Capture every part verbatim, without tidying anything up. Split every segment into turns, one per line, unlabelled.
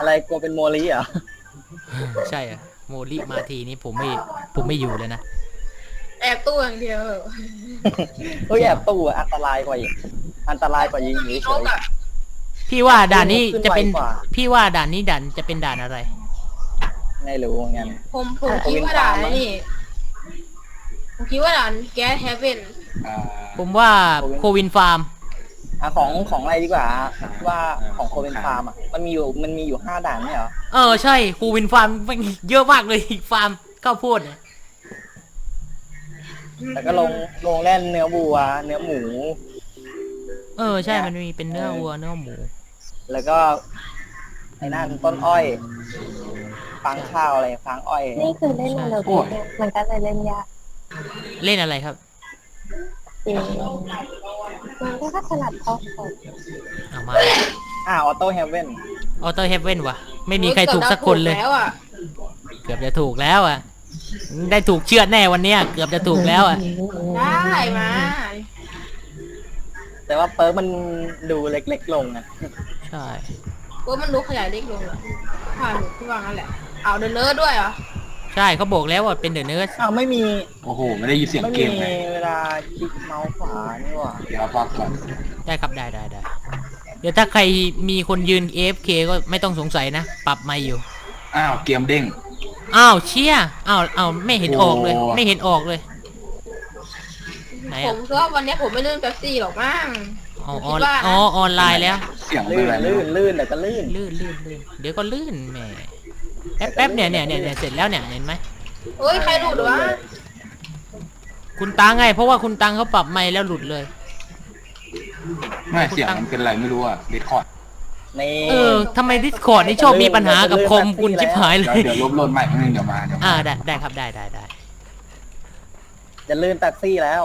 อะไรกลัวเป็นโมลีเหรอ
ใช่อะโมลิมาทีนี้ผมไม่ผมไม่อยู่เลยนะ
แอบตู้อย่างเดียว
เฮ้ยแอบตู้อันตรายกว่าอีกอันตรายกว่ายิงหนีเฉย
พี่ว่าด่านนี้จะเป็นพี่ว่าด่านนี้ด่านจะเป็นด่านอะไร
ไม่รู้เหมือนกัน
ผมผมคิดว่าด่านนี่ผมคิดว่าด่านแก๊สเฮเว่น
ผมว่าโควินฟาร์ม
อ่ะของของอะไรดีกว่าว่าของโคเวนฟาร์มอ่ะมันมีอยู่มันมีอยู่ห้าด่านไม่เหรอ
เออใช่โควินฟาร์มมันเยอะมากเลยฟาร์มข้าวโพด
แต่ก็ลงลงแล่นเนื้อวัวเนื้อหมู
เออใช่มันมีเป็นเนื้อวัวเนื้อหมู
แล้วก็ไอ้นั่นต้นอ้อยฟางข้าวอะไรฟางอ้อย
นี่คือเล่นอะไรเนี่ยมันก็เลยเล่นยาก
เล่นอะไรครับ
จริงมันก็ถนัดพอสด
เอามา
อ่าออโต้เฮเว่น
ออโต้เฮเว่นวะไม่มีใครถูกสักคนเลยเกือบจะถูกแล้วอ่ะได้ถูกเชือดแน่วันเนี้ยเกือบจะถูกแล้วอ่ะ
ได้มา
แต่ว่าเปิร์มันดูเล็กๆลงนะ
ใช่
เปิร์มันดูขยายเล็กลงเหรอผ่านที่วางนั่นแหละเอาเดินเนื้อด้วยเหรอ
ใช่เขาบอกแล้วว่าเป็นเดอะเนิร์ด
อ้าวไม่มี
โอ้โหไม่ได้ยินเสียงเกม
เลยเวลาคลิกเมาส์ขวานี่หว่า
เดี๋ยวพักก่อน
ได้ครับได้ได้ได้เดี๋ยวถ้าใครมีคนยืน เอ เอฟ เค ก็ไม่ต้องสงสัยนะปรับไม่อยู่
อ้าวเกมเด้ง
อ้าวเชี่ยอ้าวอ้าวไม่เห็นออกเลยไม่เห็นออกเลย
ไหนผมคิดว่าวันนี้ผมไม่ลื่นเป๊ปซี่หรอกมั้ง
อ๋ออ๋อออนไลน์แล้ว
เสียง
ลื่นลื่นลื่นแต่ก็ลื่น
ลื่นลื่นลื่นเดี๋ยวก็ลื่นแหมแป๊บแป๊บเนี่ยเนี่ยเนี่ยเสร็จแล้วเนี่ยเห็นไหม
เฮ้ยใครหลุดวะ
คุณตังไงเพราะว่าคุณตังเขาปรับไม่แล้วหลุดเลย
ไม่เสียงมันเป็นอะไรไม่รู้อ่ะดิสคอร์ด
เออทำไมดิสคอร์ดนี่ชอบมีปัญหากับคอมคุณชิบหายเลย
เดี๋ยวลบโหลดใหม่เดี๋ยวมาเดี๋ยว
อ่าได้ได้ครับได้ได้ได้
จะลื่นแท็กซี่แล้ว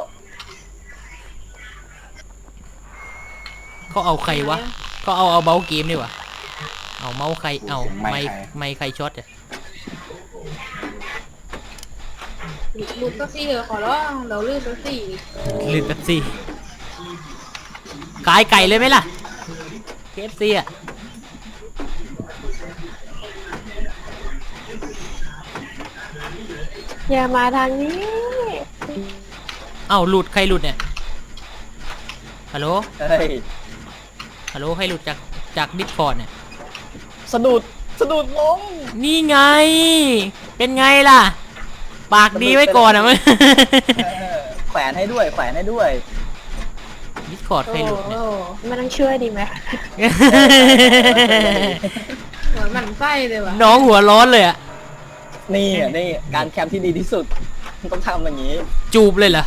เขาเอาใครวะเขาเอาเอาเบลเกมนี่วะเอาเมาส์ใครเอาไม่ไม่ใครช็อตอ่ะ
ลื่นแท็กซี่เหรอขอร้องเราลื่นแท็กซี่
ลื่นแท็กซี่ขายไก่เลยไหมล่ะ เค เอฟ ซี อ่ะ
อย่ามาทางนี้
เอ้าหลุดใครหลุดเนี่ยฮัลโหล
เฮ้ย
ฮัลโหลใครหลุดจากจากดิสคอร์ดเนี่ย
สะดุดสะดุดล้ม
นี่ไงเป็นไงล่ะปากดีไว้ก่อนอ่ะมั้ย
แขวนให้ด้วยแขวนให้ด้วย
ดิสคอร์ดใครหลุดเนี่ย
มันต้องช่วยดีไหม
เหมือนมันไส้เลยว่ะ
น้องหัวร้อนเลยอ่ะ
นี่อ่ะนี่การแคมที่ดีที่สุดต้องทำอย่างนี้
จูบเลยเหรอ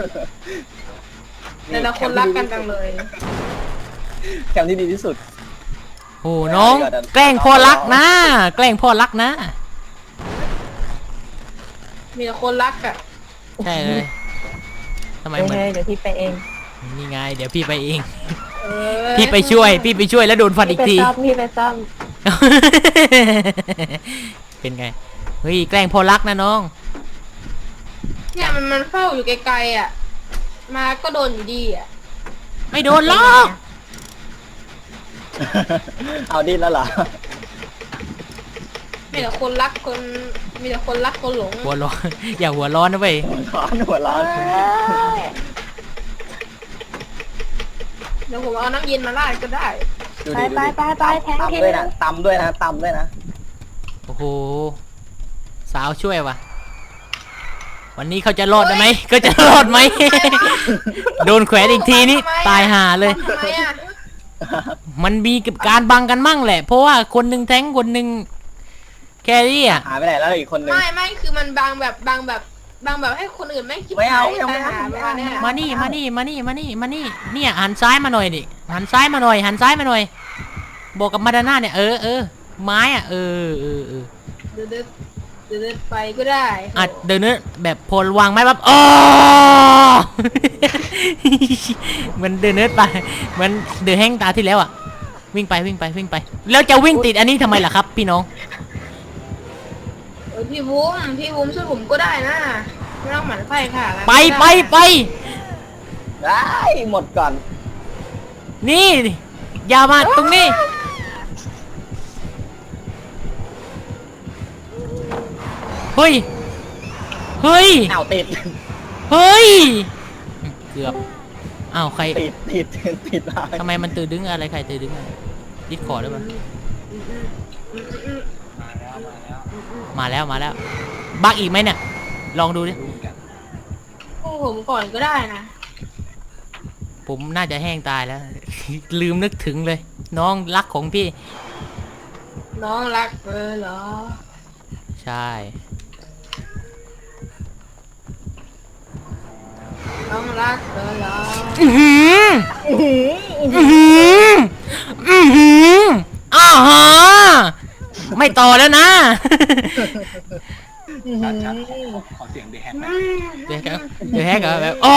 แต่ละคนรักกันจังเลย
แคมที่ดีที่สุด
โอ้น้องแกล้งพ่อรักนะแกล้งพ่อรักนะ
มีแต่คนรักอ่ะ
ใช่เลยทำไมเหมือน
เดี๋ยวพี่ไปเอง
นี่ไงเดี๋ยวพี่ไปเองพี่ไปช่วยพี่ไปช่วยแล้วโดนฟันอีกที
พี่ไปซ่อม
เป็นไงเฮ้ยแกล้งพ่อรักนะน้อง
เนี่ยมันมันเฝ้าอยู่ไกลๆอ่ะมาก็โดนอยู่ดีอ่ะ
ไม่โดนหรอก
เอาดิ้นแล้วเหรอ
มีแต่คนรักคนมีแต่คนรักคนหลง
หัวร้อนอย่าหัวร้อนนะเว้ย
หัวร้อนหัวร้อน
เดี๋ยวผมเอาน้ำเย็นมาราดก็ได้
ไปไปไปไปแทง
ตำด้วยนะตำด้วยนะตำด้วยนะ
โอ้โหสาวช่วยวะวันนี้เขาจะรอดได้ไหมก็จะรอดไหมโดนแขวนอีกทีนี้ตายห่าเลยมันมีกับการบังกันมั่งแหละเพราะว่าคนหนึ่งแทงคนหนึ่งแครี่อ่ะ
หายไปไหนแล้วอีกคนนึง
ไม่ไม่คือมันบังแบบบังแบบบังแบบให้คนอื่นไม่คิด
ไม่เอาไม่เอา
มานี่มานี่มานี่มานี่มานี่เนี่ยหันซ้ายมาหน่อยดิหันซ้ายมาหน่อยหันซ้ายมาหน่อยบอกกับมาดาน่าเนี่ยเออเออไม้อ่ะเออเออเออ
เดินเดินเดินไปก็ได้
อ่ะเดินเนื้อแบบพลวางไม้แบบอ๋อมันเดินเนื้อไปมันเดินแห้งตาที่แล้วอ่ะวิ่งไปวิ่งไปวิ่งไปแล้วจะวิ่งติดอันนี้ทำไมล่ะครับพี่น้อง
เออพี่วุ้มพี่วุ้มช่วยผมก็ได้นะไม่ต้องหมั่นไส้ค่ะ
ไปไปไป
ได้หมดก่อน
นี่อย่ามาตรงนี้เฮ้ยเฮ้ย
อ้าวติด
เฮ้ยเกือบอ้าวใคร
ติดติดติดอะไร
ทำไมมันตื่นดึงอะไรใครตื่นดึงอะไรดิสคอร์ดหรือเปล่ามาแล้วมาแล้วบักอีกไหมเนี่ยลองดูดิ
รู้กัน
โอ้ผมก่อนก็ได้นะ
ผมน่าจะแห้งตายแล้ว ลืมนึกถึงเลย น้องรักของพี่
น้องรักเออเหรอ
ใช่
น้องรักเออเหรอ
อือหืออือหืออือหืออ้าวฮะไม่ต่อแล้วนะ
ชัดชัดขอเสียงเดแฮกไหม
เดี๋ยวครับเดี๋ยวแฮกเหรอแบบอ๋อ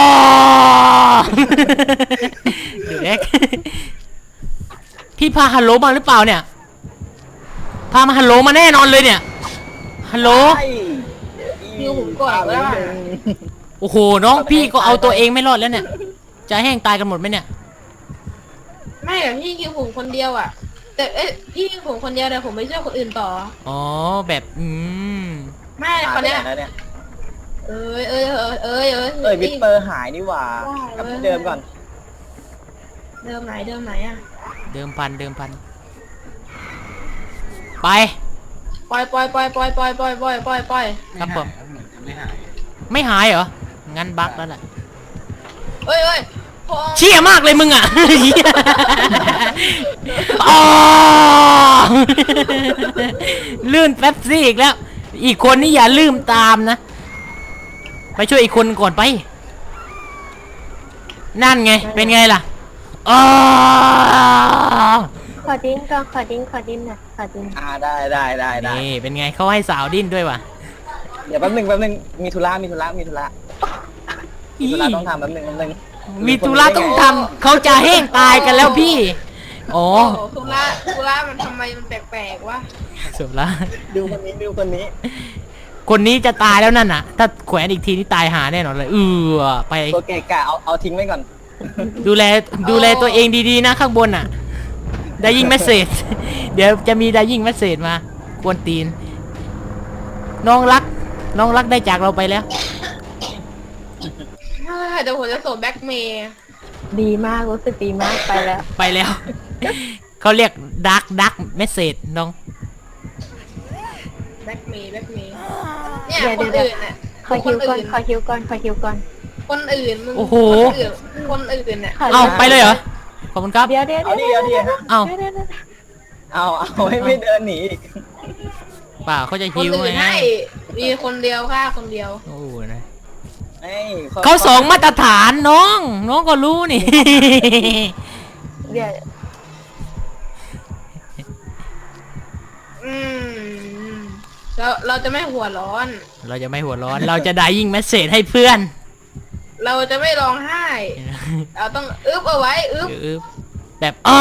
เดี๋ยวแฮกพี่พาฮัลโหลมาหรือเปล่าเนี่ยพามาฮัลโหลมาแน่นอนเลยเนี่ยฮัลโหล
คิวผมก่อนก็ได้
โอ้โหน้องพี่ก็เอาตัวเองไม่รอดแล้วเนี่ยจะแห้งตายกันหมดไหมเนี่ย
ไม่แต่พี่คิวผมคนเดียวอ่ะ แต่เอ้ยพี่คิวผมคนเดียวแต่ผมไม่ช่วยคนอื่นต่อ
อ๋อแบบอืม
ไม่คนเนี้ย
แล้วเนี่ย
เอ้ยเอ้ยเอ้ยเอ้ยเอ้ย
เอ้ยวิสเปอร์หายนี่หว่า
ว้าว
กลับที่เดิมก่อน
เดิมไหนเดิมไหนอ่ะ
เดิมพันเดิมพันไป
ปล่อยปล่อยปล่อยปล่อยปล่อยปล่อยปล่อยปล่อยปล่อย
ครับผม
เหมือนจะไม่หาย
ไม่หายเหรองั้นบั๊กแล้วแหละ
เอ้ยเอ้ยพอ
เชี่ยมากเลยมึงอ่ะ อ๋อลื่นแป๊บซี่อีกแล้ว อีกคนนี่อย่าลืมตามนะ ไปช่วยอีกคนก่อนไป นั่นไง เป็นไงล่ะอ๋อ
ขอดิ้นก่อนขอดิ้นขอดิ้นหน่อยขอดิ้น
อ่าได้ได้ได้ได้
นี่เป็นไงเขาให้สาวดิ้นด้วยว่ะ
เดี๋ยวแป๊บนึงแป๊บนึงมีธุระมีธุระมีธุระมีธุระต้องทำแป๊บนึงแป๊บนึง
มีธุระต้องทำเขาจะแห้งตายกันแล้วพี่อ๋อ
โอ้โหทุระทุระมันทำไมมันแปลกๆวะ
สุดละ
ดูคนนี้ดูคนนี้
คนนี้จะตายแล้วนั่นน่ะ ถ้าแขวนอีกทีนี่ตายหาแน่นอนเลยเออไป
ตัวเกะกะเอาเอาทิ้งไว้ก่อน
ดูแลดูแลตัวเองดีๆนะข้างบนอ่ะ ได้ยิงเมสเซจ เดี๋ยวจะมีได้ยิงเมสเซจมากวนตีน น้องรัก น้องรักได้จากเราไปแล้ว
เฮ้ยเดี๋ยวผมจะส่งแบ็กเมย์
ดีมากรู้สึกดีมากไปแล้ว
ไปแล้ว เขาเรียกดักดักเมสเซจน้อง
แบ็กเมย์แบ็กเมย์เนี่ย
เดี๋ยว
คน
เดี๋ยว
อื่นอ่ะ
ขอคิวก่อน
น
ขอคิวก่อนขอคิวก่อน
คนอื่นมึง
โอ้โห
คนอื่นคนอื่นอ่ะ
ขอ
เอาไปเลยเหรอ ขอบคุณครับ
เดี๋ยวเดี๋ยว
เอาดิเอาดิฮะ
เอา
เดี๋ยวเดี๋ยวเดี๋ยว
เอาเอาให้ไม่เดินหนีอีก
เปล่าเขาจะ
คน
ฮิว
อื่น
ไง
ให้มีคนเดียวค่ะคนเดียว
โอ้นะ
เอ้ย
เขาสองมาตรฐานน้อง น้องก็รู้นี่
เดี๋ยว
อืมเราเราจะไม่หัวร้อน
เราจะไม่หัวร้อน เราจะได้ยิงเมสเซจให้เพื่อน
เราจะไม่ร้องไห้ เราต้องอึบเอาไว้อึบ
อึ๊บแบบอ้า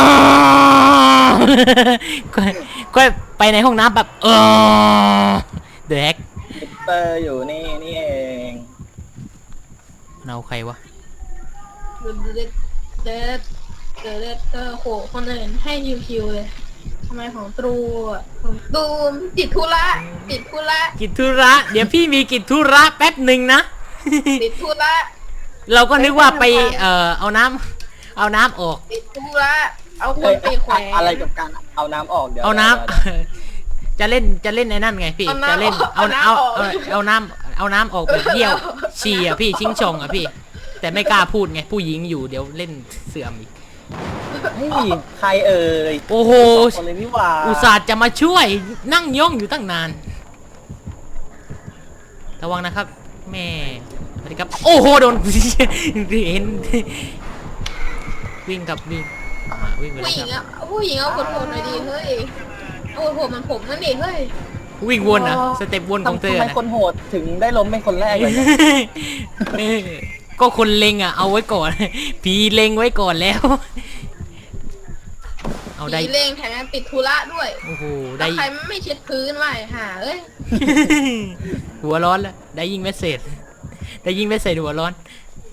ก็ก็ไปในห้องน้ำแบบเออเด็ก
วิสเปอร์อยู่นี่นี่เอง
เอาใครวะ
เด็ดเด็ดเด็ดเด็ดเออโหคนอื่นให้คิวๆเลยทำไมของตรูอ่ะของตูมติดธุระติดธุระ
กิจธุระ เดี๋ยวพี่มีกิจธุระแป๊บหนึ่งนะ
ติดธุระ
เราก็นึกว่าไปเอ่อเอาน้ำเอาน้ำออก
ติดธุระเอาค
เอ้
น
ย
ไปแขวน
อะไรกับการเอาน้ำออกเดี๋ยว
เอาน้
ดี๋ยว
ำ จะเล่นจะเล่นในนั่นไงพี่ จะเล่นเอาเอาเอาเอาน้ำเอาน้ำออกแบบเยี่ยวฉี่อ่ะพี่ชิงชงอ่ะพี่ แต่ไม่กล้าพูดไงผู้หญิงอยู่เดี๋ยวเล่นเสื่อมอีก
เฮ้ยใครเอ่ย
โอ้โห
สองคนเลยนี่หว่า
อุตส่าห์จะมาช่วยนั่งย่องอยู่ตั้งนานระวังนะครับ แม่สวัสดีครับ โอ้โหโดน เห็นวิ่งกับวิ่งมาวิ่งไป
ผู้
แล้ว
หญิง
ครับ
อ่ะผู้หญิงเอาคนโหดหน่อยดีเฮ้ยเอาคนโหดมันผมนั่นดิเฮ้ย
วิ่งวนอ่ะสเต็ปวนของเธอ
ทำไม
นะ
คนโหดถึงได้ล้มเป็นคนแรกเลยเนี่ย
เออก็คนเล็งอ่ะเอาไว้ก่อน ผีเล็งไว้ก่อนแล้ว เอาได้
ผีเลงแถมยังติดธุระด้วย
โอ้โห
แล้
ได้
วใครไม่เช็ดพื้นไว้หาเอ้ย
หัวร้อนแล้วได้ยิงเมสเซจได้ยิงเมสเซจหัวร้อน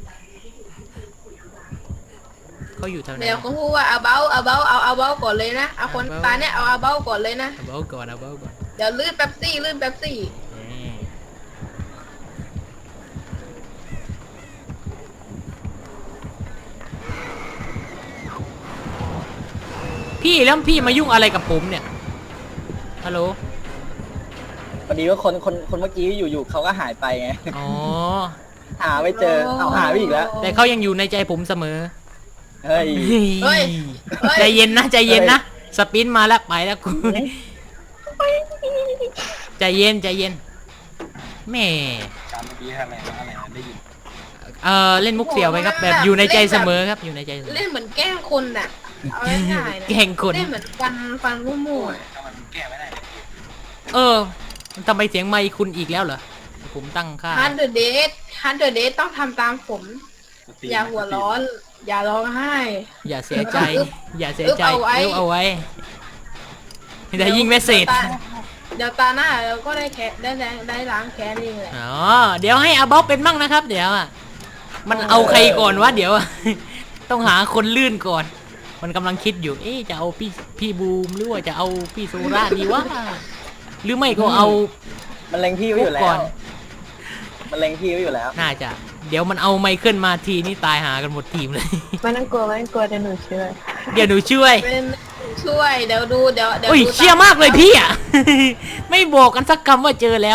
เขาอยู่แถวไหน
เดี๋ยวเขาพูดว่าเอาเบ้าเอาเบ้าเอาเอาเบ้าก่อนเลยนะเอาคนตาเนี่ยเอาเอาเบ้าก่อนเลยนะ
เอาเบาก่อนเอาเบาก่อน
เดี๋ยวลื่นแป๊บซี่ลื่นแป๊บซี่
นี่พี่แล้วพี่มายุ่งอะไรกับผมเนี่ยฮัลโหล
พอดีว่าคนคนคนเมื่อกี้อยู่ๆเขาก็หายไปไง
อ๋อ
หาไม่เจอเอาหาไปอีกแล้ว
แต่เขายังอยู่ในใจผมเสมอ
เฮ้ย
เฮ้ยเฮ้ย
ใจเย็นนะใจเย็นนะสปินมาแล้วไปแล้วกูใจเย็นใจเย็นแหม่
การเมื่อกี้อะไรนะอะไรนะได้ยิน
เออเล่นมุกเสี่ยวไปครับแบบอยู่ในใจเสมอครับอยู่ในใจเสมอ
เล่นเหมือนแกล้งคนน่ะเอาง่ายๆนะ
แกล้งคน
เล่นเหมือนฟันฟันรุ่มๆอะ
ถ้ามันแก้ไม่ได้
เออทำไมเสียงไมค์คุณอีกแล้วเหรอผมตั้งค่า
ฮันเดอร์เดทฮันเดอร์เดทต้องทำตามผม อย่าหัวร้อน อย่าร้องไห้
อย่าเสียใจ อย่าเสียใจ
เอาไว้
เลี้ยวเอาไว้ได้ยิงเมสเซจ
เดี๋ยวตาหน้าเราก็ได้แค่ได้ได้ได้ล้างแค้นเองแหละ
อ๋อเดี๋ยวให้อาบ๊อบเป็นมั่งนะครับ เดี๋ยวอ่ะมันเอาใครก่อนวะเดี๋ยวอะ ต้องหาคนลื่นก่อน มันกำลังคิดอยู่ เอ๊ะจะเอาพี่พี่บูมหรือว่าจะเอาพี่โซราดีวะหรือไม่ก็เอา
มันเล็งพี่ไว้อยู่แล้
ก่อ
วน มันเล็งพี่ไว้อยู่แล้ว
น่าจะ เดี๋ยวมันเอาไมเคิลมาทีนี่ตายหากันหมดทีมเลย
ไม่ต้องกลัวไม่ต้องกลัวเดี๋ยวหนูช่วย
เดี๋ยวหนูช่วย
เป็นช่วยเดี๋ยวดูเดี๋ยวเดี๋ยว
โอ้ย
ดู
เชี่ยมากเลยพี่อ่ะ ไม่บอกกันสักคำว่าเจอแล้ว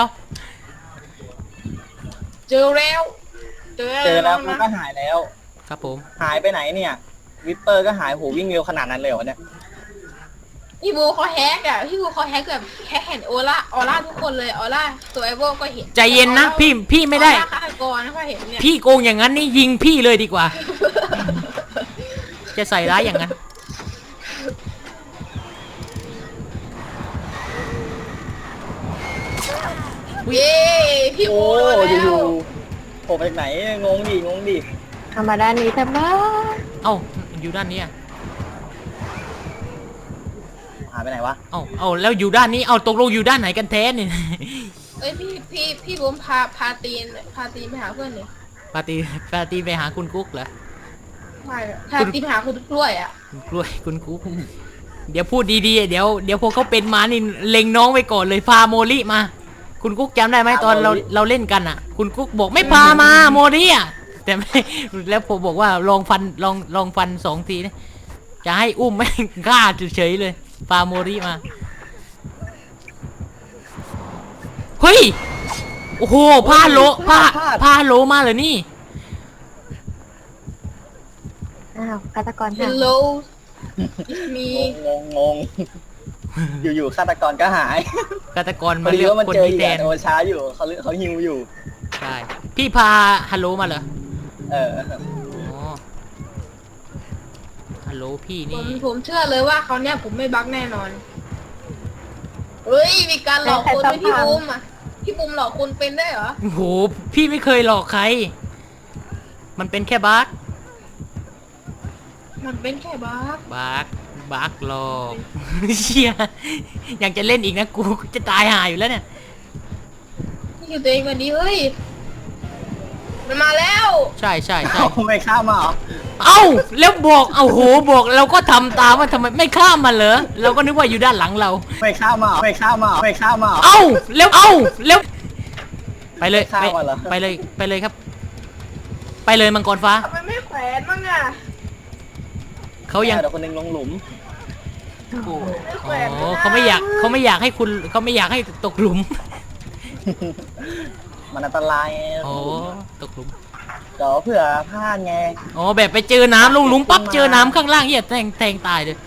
เจอแล้วเจอ
เจอแล้ว
นะ
มันก็หายแล้ว
ครับผม
หายไปไหนเนี่ย วิปเปอร์ก็หายโหวิ่งเร็วขนาดนั้นเลยเหรอเนี่ย
พี่บูเขาแฮกอ่ะพี่บูเขาแฮกแบบแฮกเห็นโอล่าออร่าทุกคนเลยออร่าตัวไอโบก็เห็น
ใจเย็นนะพี่พี่ไม่ได้
ออร่าฆาตกรนะเขาเห็นเนี่ย
พี่โกงอย่างนั้นนี่ยิงพี่เลยดีกว่า จะใส่ร้ายอย่างนั้น
เย้พี่
โอ้
บู
ย
แล้ว
อยู่ๆโผล่มาจากไหนงงดิงงดิ
เอามาด้านนี้ทำไม
เอ้าอยู่ด้านนี้อะ
หายไปไหนวะ
เอ้าเอ้าแล้วอยู่ด้านนี้เอาตกลงอยู่ด้านไหนกันแท้เนี่ย
เอ้ยพี่พี่พี่บูมพาพาตีนพาตีนไปหาเพื่อนเลย
ปาตีปาตีไปหาคุณกุ๊กเหรอ
ไม่พาตีนไปหาคุณกล้วยอ่ะ
คุณกล้วยคุณกุ๊กเดี๋ยวพูดดีๆเดี๋ยวเดี๋ยวพวกเขาเป็นมานี่เล็งน้องไว้ก่อนเลยพาโมลิมา คุณกุ๊กจำได้ไหมตอนเราเราเล่นกันอ่ะ คุณกุ๊กบอกไม่พามาโมลิอ่ะแต่ไม่แล้วผมบอกว่าลองฟันลองลองฟันสองทีนะจะให้อุ้มไม่กล้าเฉยๆเลยพาโมลิมาเฮ้ยโอ้โหพาโลพาพาโลมาเลยนี่
อ้าวฆาตกร
เฮ
หา
ลโลมี
งงงงอยู่ๆฆาตกรก็หาย
ฆาตกร
พ
มา
อดี
เลือก
ว่ามัน
คน
เจอ
นี้
อีก
แท
อะ
น
โอช้าอยู่เขาเขาฮิวอยู่
ใช่พี่พาฮัลโหลมาเหรอ
เออ
อ๋อฮัลโหลพี่
ผม
นี่
ผมเชื่อเลยว่าเขาเนี่ยผมไม่บักแน่นอนเฮ้ยมีการหลอกคนด้วยพี่บูมอ่ะพี่บูมหลอกคนเป็นได้เหรอ
โอ้โหพี่ไม่เคยหลอกใคร มันเป็นแค่บั๊ก
มันเป็นแค่บัก
บั๊กบั๊กหลอก เชี่ยอยากจะเล่นอีกนะกูจะตายหาอยู่แล้วเนี่ย
นี่คือตัวเองวันนี้เฮ้ยมันมาแล้ว
ใช่ใช่ใช่
เอาไม่ข้ามมาเหรอ
เอ้าแล้วบอกเอาโหบอกเราก็ทำตามว่าทำไมไม่ข้ามมาเหรอเราก็นึกว่าอยู่ด้านหลังเรา
ไม่ข้ามมาเหรอไม่ข้ามมาเหรอไม่ข้ามมาเหรอ
เอ้าแล้วเอ้าแล้วไปเลย
ข้าม
ไป
มาเหรอ
ไปเลยไปเลยครับ ไปเลยมังกรฟ้า
ทำไมไม่แขวนบ้างอ่ะ
เขายัง
เดี๋ยวคนหนึงลงหลุม
ไม่แข
อ๋
วน
อเขาไม่อยากเขาไม่อยากให้คุณเขาไม่อยากให้ตกหลุม
มันอันตรายไง
อ๋อตกหลุม
เดี๋ยวเผื่อพลาดไง
อ๋อแบบไปเจอน้ำลงหลุมปั๊บเจอน้ำข้างล่างเหี้ยแทงแทงตายเลย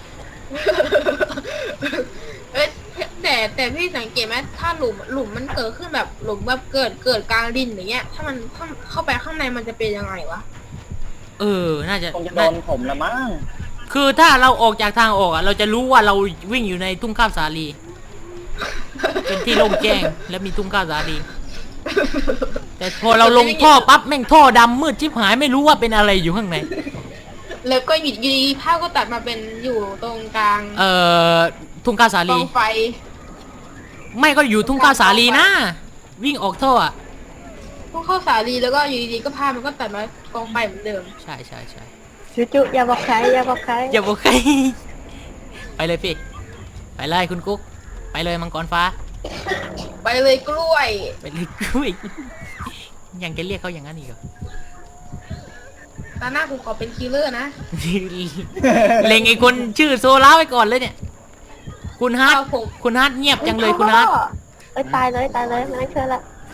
เอ้ยแต่แต่พี่สังเกตไหมถ้าหลุมหลุมมันเกิดขึ้นแบบหลุมแบบเกิดเกิดกลางดินอย่างเงี้ย ถ้ามันเข้าเข้าไปข้างในมันจะเป็นยังไงวะ
เออน่าจะ
คงจะโด
น่าน
ผมละมั้ง
คือถ้าเราออกจากทางออกอ่ะเราจะรู้ว่าเราวิ่งอยู่ในทุ่งข้าวสาลี เป็นที่โล่งแจ้งและมีทุ่งข้าวสาลี แต่พอเราลงท่อปั๊บแม่งท่อดำมืดชิบหายไม่รู้ว่าเป็นอะไรอยู่ข้างใน
แล้วก็หยุดยีภาพก็ตัดมาเป็นอยู่ตรงกลาง
เอ่อทุ่งข้าวสาก
อ
ลี
งไฟ
ไม่ก็อยู่ทุ่งข้าวสาลีนะวิ่งออกท่ออ่ะ
พวกเข้าสาลีแล้วก็อยู่ดีๆก็ภาพมันก็ตัดมากองไฟเหมือนเดิม
ใช่ใช่ใช่
จุจุอย่าบอกใครอย่าบอกใคร
อย่าบอกใคร ไปเลยพี่ไปเลยคุณกุ๊กไปเลยมังกรฟ้า
ไปเลยกล้วย
ไปเลยกล้วยยังจะเรียกเขาอย่างนั้นอีกเหรอ
ตาหน้ากูขอเป็นคิลเลอร์นะ
เล็งไอ้คนชื่อโซล่าไว้ก่อนเลยเนี่ย คุณฮาร์ด
เอาผม
คุณฮาร์ดเงียบจังเลยคุณฮาร์ด
เอ้ยตายเลยตายเลยไม่ต้องเชื่อละ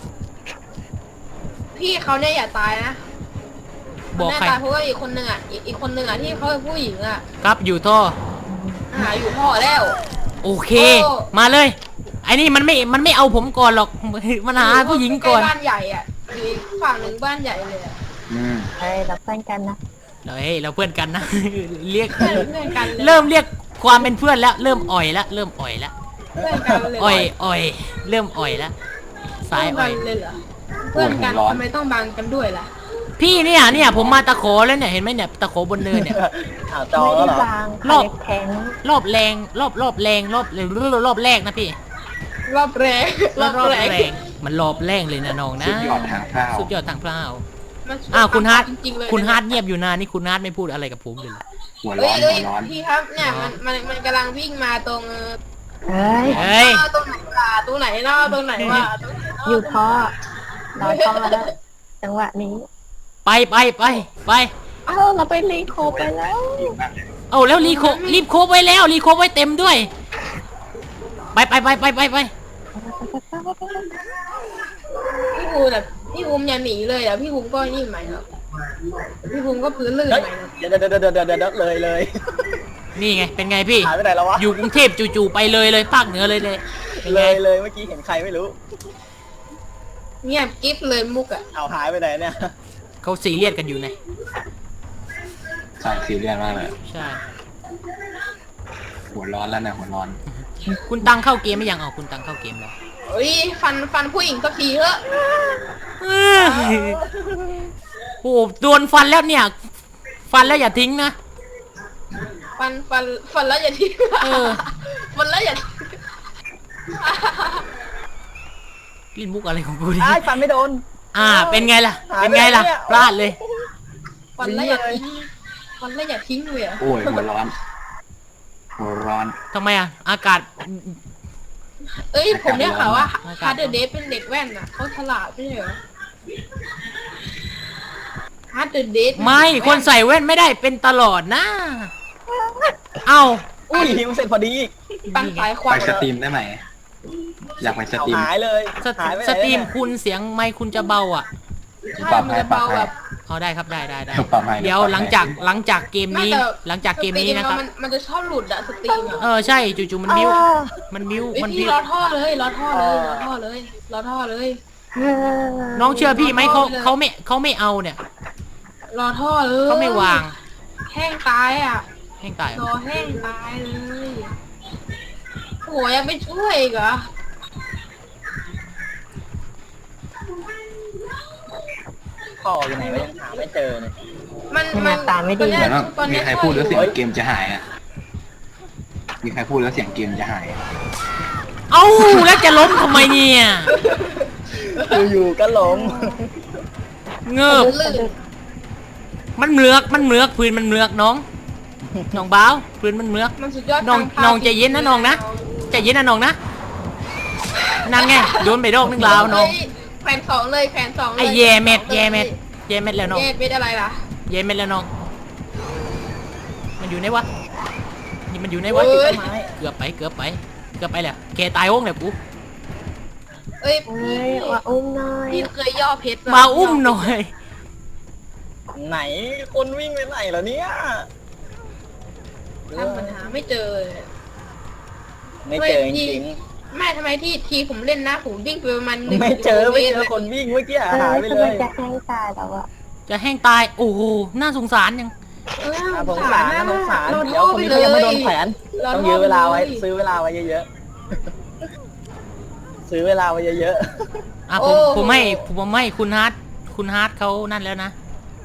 พี่เขาเนี่ยอย่าตายนะ
บอก
แน่
ใคร
ตายเพราะว่าอีกคนหนึ่งอ่ะอีกอีกคนหนึ่งอ่ะที่เขาเป็นผู้หญิงอ่ะ
ครับอยู่ท่อ
หาอยู่พ่อแล้ว
โอเค
โอ้
มาเลย ไอ้นี่มันไม่ มันไม่เอาผมก่อนหรอก มันหาผู้หญิงก่อน
ใล้ๆบ้านใหญ่อ่ะอยู่อีกฝั่งหนึ่งบ้านใหญ่เลยอะ
อืม
เฮ้ยเราเพื่อนกันนะ
เฮ้ยเราเพื่อนกันนะ เรียก
เพื่อนเพื่อนกันเลย
เริ่มเรียกความเป็นเพื่อนแล้ว เริ่มอ่อยแล้วเริ่มอ่อยแล้ว
เพื่อนกันเลย
อ่อยอ่อยเริ่มอ่อยแล้วสาย
เพื่
อ่
อ
อน ย
กันเลยเหรอเพื่อนกันทำไมต้องบังกันด้วยล่ะ
พี่เนี่ยเนี่ยผมมาตะโขแล้วเนี่ยเห็นไหมเนี่ยตะโขบนเนินเนี่ย
อ้าวจอ
ไม่
แล้ว
ได้
เหรอ
วาง
รอบ
แข็ง
รอบแรงรอบรอบแรงรอบรอบแรกนะพี่
รอบแรกรอบแรก
มันรอบแรงเลยนะน้องนะ
สุดยอดทางข้าว
สุดยอดทางพร้าว
มัน
อ้าวคุณฮาร์ด
จริงๆเลย
คุณฮาร์ดเงียบอยู่นานนี่คุณฮาร์ดไม่พูดอะไรกับผมเลย
หัวร้
เอ้
อย น
เอ้
หั
ยว
ร้อน
พี่ครับเนี่ยมันมันมันกำลังวิ่งมาตรง
เฮ้ย
เฮ้ย
เออตรงไหนล่ะตรงไหนเนาะตรงไหนวะตรงไหนเนาะ
อยู่ท่อรอท่อแล้วจังหวะนี้
ไปไปไปไป
เอ้าเราไปรีโคไปแล้ว
ดีมากเลย
เอาแล้วรีโครีบโคบไว้แล้วรีโคบไว้เต็มด้วย ไปไปไปไปไปไป
พี่ภูแบบพี่ภูมิอย่าหนีเลยอ่ะพี่ภูมิก็นี่ใหม่ครับพี่ภูมิก็พื้นลื่น
เฮ้ย
ใหม่ครับ
เดี๋ยวเดี๋ยวเดี๋ยวเดี๋ยวเดี๋ยวเดี๋ยวเลยเลย
นี่ไงเป็นไงพี่
หายไปไหนแล้ววะ
อยู่กรุงเทพจู่ๆไปเลยเลยภาคเหนือเลยเลยเป็น
เล
ไง
ยเลยเมื่อกี้เห็นใครไม่รู้
เงียบกิ๊บเลยมุกอ่ะ
เอาหายไปไหนเนี่ย
เขาซีเรียสกันอยู่ไง
ใช่ซีเรียสมากเลย
ใช่
หัวร้อนแล้วนะหัวร้อน
คุณตังเข้าเกมไม่ยังเอาคุณตังเข้าเกมแล้ว
เฮ้ยฟันฟันผู้หญิงสักทีเถอะ
เอ้ยโอ้โหโดนฟันแล้วเนี่ย ฟันแล้วอย่าทิ้งนะ
ฟันฟันฟันแล้วอย่าทิ้ง
เออ
ฟันแล้วอย่า
ลิ้นมุกอะไรของกูดิ
อ้ายฟันไม่โดน
อ่า เป็นไงล่ะ
หา
เป็นไงล่ะ
ไปไหนเนี่ย
พลาดเลย
ฟันแล้วอย่าทิ้งฟันแล้วอย่าทิ้งเลยอะ
โอ้ยหัวร้อน หัวร้อน
ทำไมอ่ะ อากาศ
เอ้ยผมเนี่ยค่ะว่า
อากาศ
ฮาร์ดเดย์เป็นเด็กแว่นอ่ะเขาฉลาดไม่ใช่เหรอฮาร์ดเดย์
ไม่ คนใส่แว่นไม่ได้เป็นตลอดนะ เอ้า
อุ้ยหิวเสร็จพอดีอีก
ปันสายควั
ไป
น
สตรีมได้ไหม อยากไปส
เอา
ตรีม
หายเลย
ส
หายไปไหน
สตรีม
เนี่ย
คุณเสียงไมค์คุณจะเบาอ่ะ
ใช่มันจะเบาแบบ
เอาได้ครับได้ได้ได้
ปรับให้
เดี๋ยวหลังจากหลังจากเกมนี้
ไม่แต่
หลังจากเกมนี้นะครับ
สตมันมันจะชอบหลุดอะสตรีมอะ
เออใช่จู่ๆมันบิ้วมันบิ้ว
เอ้ย
มัน
พี่
บิ้ว
รอท่อเลยรอท่อเลยรอท่อเลยรอท่อเลย
น้องเชื่อพี่ไหมเขาเขาไม่เขาไม่เอาเนี่ย
รอท่อเลย
เขาไม่วาง
แห้งตายอ่ะ
แห้งตาย
รอแห้งตายเลยโหยังไม่ช่วยอีกเหรอ
พ่ออยู่ไหนวะยังหาไม่เจอเลย
มัน
หน้าตาไม่ดี
ตอน
เหมือน
เนี้
ว่าย
ตอน
มี
เนี้ย
ใครพูดแล้วเสียง
เฮ้ย
เกมจะหายอ่ะ มีใครพูดแล้วเสียงเกมจะหาย
เอ้าแล้วจะล้มทำไมเนี่ย
อยู่ๆก็ล้ม
เงือบ
ลื่น
มันเหมือกมันเหมือกพื้นมันเหมือกน้องน้องบ้าวพื้นมันเหมือก
มันสุดยอด
น้อง
ทาภาพ
น้องใจเย็นนะน้องนะ ใจเย็นนะน้องนะนั่นไงโดนไปดอกนึงลาวน้อง
เฮ้ยแขวนสองเลยแขวนสองเลย
ไอ้แย่เม็ด
แขวนสอง
แย่เม็ด
ลย
แย่เม็ดแล้วน้อง
แย่เม็ดอะไรล่ะ
แย่เม็ดแล้วน้องมันอยู่ไหนวะนี่มันอยู่ไหนวะ
เอ้ย
เกือบไปเกือบไปเกือบไปแล้วแกตายโอ้งเนี่ยกู
เอ้ย
เฮ้ยว่าอุ้มหน่อย
พี่เคยย่อเพชรปะ
มาอุ้มหน่อย
ไหนคนวิ่งไปไหนเหรอเนี่ย
ทำปัญหาไม่เจอเลย
ไม่เจอจริง
แม่ทำไมที่ทีผมเล่นนะผมวิ่งไปประมาณห
ๆ
นึ่ง
ไม่เจอไม่เจอ
กิโลตร
คนวิ่งเมื่อกี้
เอ
หา
อย
ไป
ทำ
เล
ไม
ย
จะแห้งตายแล้วอะ
จะแห้งตายโอ้โหน่าสงสารยัง
เออ
น่าสงสารน่าสงสาร
ร
เดี๋ยวคนนี้เขายังไม่โดนแขวน
ร
ต้อง
ท่
ยื้อเวลาไว้
ย
ซื้อเวลาไว้เยอะๆ ซื้อเวลาไว้เยอะ
อ่ะผมผมให้ผมให้คุณฮาร์ดคุณฮาร์ดเขานั่นแล้วนะ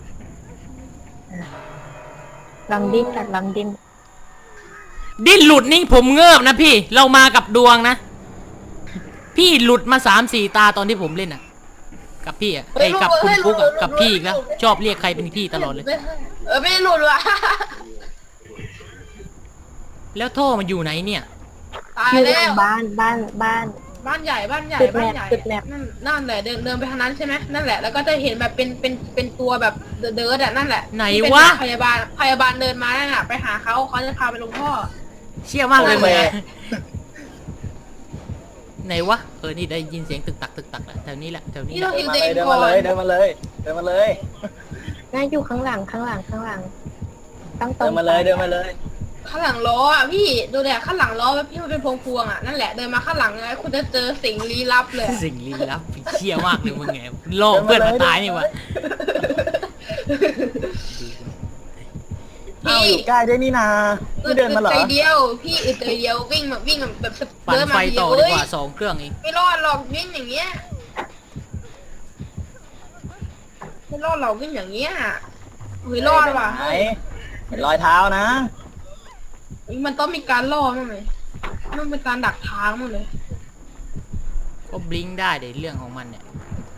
ลองดิ้นกันลองดิ้น
ดิ้นหลุดนี่ผมเงิบนะพี่เรามากับดวงนะ พี่หลุดมาสามสี่ตาตอนที่ผมเล่นอ่ะ กับพี่อ่ะไอ้ยกับคุณปุ๊กอ่ะกับพี่อีกแล้วชอบเรียกใครเป็นพี่ตลอดเลย
เออไม่หลุดว่ะ
แล้วท่อมันอยู่ไหนเนี่ย
ตาย
อยู่ห
แล้
ลัง
ว
บ้านบ้านบ้าน
บ้านใหญ่บ้านใหญ่
จุดแม
บ้าน
ป
ใหญ่
จุดแมป
นั่นนั่นแหละเดินเดินไปทางนั้นใช่ไหมนั่นแหละแล้วก็จะเห็นแบบเป็นเป็นเป็นตัวแบบเดิร์ดอะนั่นแหละ
ไหน
ที่เป็น
วะ
พยาบาลพยาบาลเดินมานั่นน่ะไปหาเขาเขาจะพาไปลงท่อ
เชี่ยมากเลย
โอ
มึง
เค
อะไหนวะเออนี่ได้ยินเสียงตึกตักตึกตักแหละแถวนี้แหละแถวนี้
นี่
แห
เรา
ละ
ฮิว
มา
เด
เลย
น
เดิน
ก่อ
มาน เลยเดินมาเลยเดินมาเลย
น่าอยู่ข้างหลังข้างหลังข้างหลังต้องตร
เดิ
ง
นมาเลยเดินมาเลย
ข้างหลังล้ออ่ะพี่ดูแลข้างหลังล้อแบบพี่มันเป็นพวงพวงๆอ่ะนั่นแหละเดินมาข้างหลังไงคุณจะเจอสิ่งลี้ลับเลย
สิ่งลี้ลับเชี่ยมากเลยมึงไงโลกเพื่อนมาตายนี่วะ
อ้าวอยู่ใกล้ด้วยนี่นาไม่เดินมาเหรอ
ใจเดียวพี่อึดใจเดียววิ่งแบบวิ่งแบบ
ปั่น
เดิน
ไฟ
มาเดีย
ต่อ
ว
ดี
เอ้
ก
ย
ว่าสองเครื่องเอง
ไม่รอดหรอกวิ่งอย่างเงี้ยไม่รอดหรอกวิ่งอย่างเงี้ยเฮ้ยรอดว่ะ
ไหนเห็นรอยเท้านะ
มันต้องมีการล่อมั้งเลยมันเป็นการดักทางมั้งเลย
ก็บลิงก์ได้เดี๋ยวเรื่องของมันเนี่ย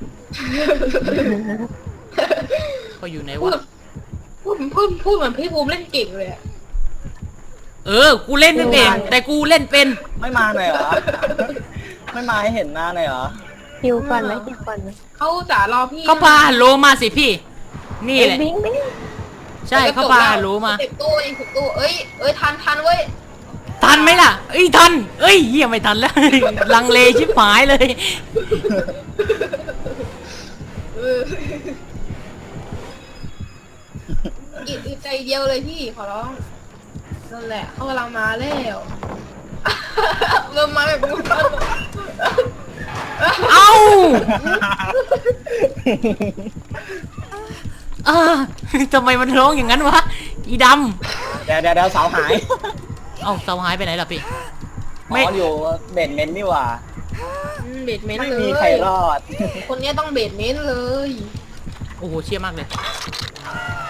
ก็อยู่ไหน
พูด
วะ
พูดพูดพูดเหมือนพี่ภูมิเล่นเก่งเลยอะ
เออกูเล่นไม่เป็นแต่กูเล่นเป็น
ไม่มาหน่อยเหรอ ไม่มาให้เห็นหน้าหน่อยเหรอ
คิวก่อนไหมคิวก่อนไหม
เขาจะรอพี่
เขาพาฮัลโหลมาสิพี่ นี่แหละ
บิงบิง
ใช่เขาพาฮัลโหลมา
สิบตู้เองสิบตู้เอ้ยเอ้ยทันทันเว้ย
ทันไหมล่ะเอ้ยทันเอ้ยเหี้ยไม่ทันแล้ว ลังเลชิบหายเลย
เอออิดอึดใจเดียวเลยพี่ขอร้องนั่นแหละเขากำลังมาแล้วเริ่มมาแบบกู
เอ้าอ่าทำไมมันร้องอย่างนั้นวะอีด
เดี๋ยวเดี๋ยวเดี๋ยวเสาหาย
ำเอ้าเสาหายไปไหนล่ะพี่
อ๋
ไม่
ออยู่เบนเมนต์นี่หว่า
เบดเมนต์
ไม่
เล
มี
ย
ใครรอด
คนเนี้ยต้องเบดเมนต์เลย
โอ้โหเชี่ยมากเลย